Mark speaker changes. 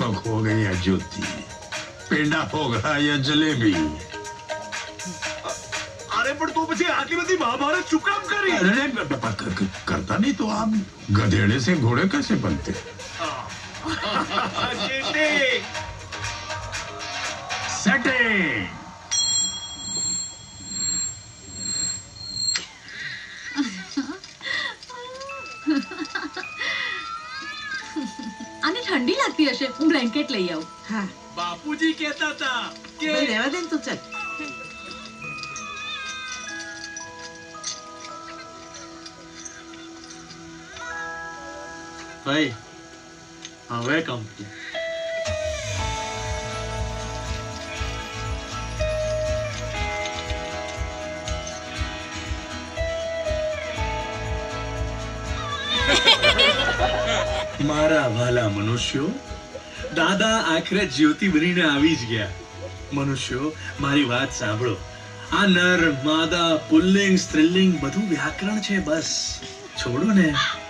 Speaker 1: कब हो गई है ज्योति, पेंडा होगा या जलेबी?
Speaker 2: अरे पण तो પછી આટલી બધી મહાભારત શું કામ કરી?
Speaker 1: अरे करता नहीं तो आप गधेड़े से घोड़े कैसे बनते? सेटिंग।
Speaker 3: आने ठंडी लगती हशे, હું બ્લેન્કેટ લઈ આવું।
Speaker 4: હા
Speaker 2: બાપુજી કહેતા હતા કે
Speaker 4: ભાઈ રહેવા દે ને તું ચાલ।
Speaker 2: ભાઈ હવે કંપની મારા વાલા મનુષ્યો, દાદા આખરે જ્યોતિ બનીને આવી જ ગયા। મનુષ્યો મારી વાત સાંભળો, આ નર માદા પુલ્લિંગ સ્ત્રીલિંગ બધું વ્યાકરણ છે, બસ છોડો ને।